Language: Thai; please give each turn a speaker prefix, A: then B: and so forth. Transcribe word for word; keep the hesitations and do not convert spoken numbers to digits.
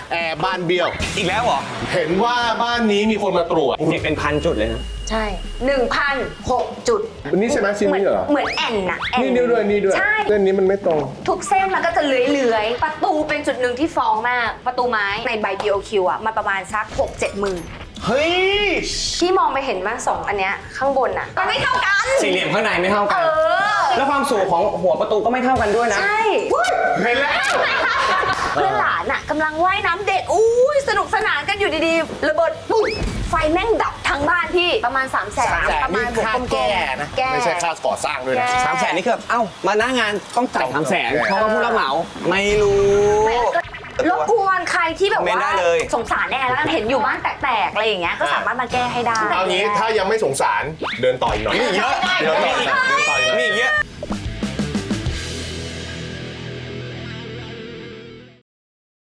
A: แอร์บ้านเบี้ยว
B: อีกแล้วเหรอ
A: เห็นว่าบ้านนี้มีคนมาตรวจ
B: เด็กเป็นพันจุดเลยนะ
C: ใช่ หนึ่งพันหก จุด
A: นี่ใช่ไหมชิ้นนี้เหรอ
C: เหมือนแอนน่ะแอน
A: นี่นิ้วด้วยนี่ด้วย
C: ใช่
A: เส้นนี้มันไม่ตรง
C: ทุกเส้นมันก็จะเลื้อยๆ ประตูเป็นจุดหนึ่งที่ฟ้องมาก ประตูไม้ในใบ บี โอ คิว อ่ะมันประมาณสัก หกเจ็ดหมื่น
B: เฮ้ย
C: พี่มองไปเห็นมาสองอันเนี้ยข้างบนอ่ะมันไม่เท่ากัน
B: สี่เหลี่ยมข้างในไม่เท่า
C: เอ
B: กัน
C: อ
B: แล้วความสูงของหัวประตูก็ไม่เท่ากันด้วยนะ
C: ใช่
A: เห็นแล้ว
C: เพื่อนหลานอ่ะกำลังว่ายน้ำเด็กอุ้ยสนุกสนานกันอยู่ดีๆ ระเบิดปุ๊บไฟแม่งดับทั้งบ้านพี่ประมาณ3ามแสน
A: สามแสน
C: ประมาณ
A: นี่ค่า
C: บวกลมๆ
A: แก้นะ
C: แก้
A: ไม่ใช่ค่าก่อสร้างด้วยนะ
C: แก้
B: สามแสนนี่คือแบบเอ้า มาหน้างานต้องจ่ายสามแสน
A: แก้
B: เพราะว่าผู้รับเหมา ไม่รู้
C: ไม่รบกวนใครที่แบบ
B: คอมเมนต์
C: ว่า
B: ได้เลย
C: สงสารแน่แล้วกันเห็นอยู่บ้านแตกๆอะไรอย่างเงี้ยก็สามารถมาแก้ให้ได้
A: เอางี้ถ้ายังไม่สงสารเดินต่ออีกหน่อย
B: มีเยอะ
A: เดินต่ออีกหน่อยเดินต่ออีกหน่อย
B: มีอีกเยอะ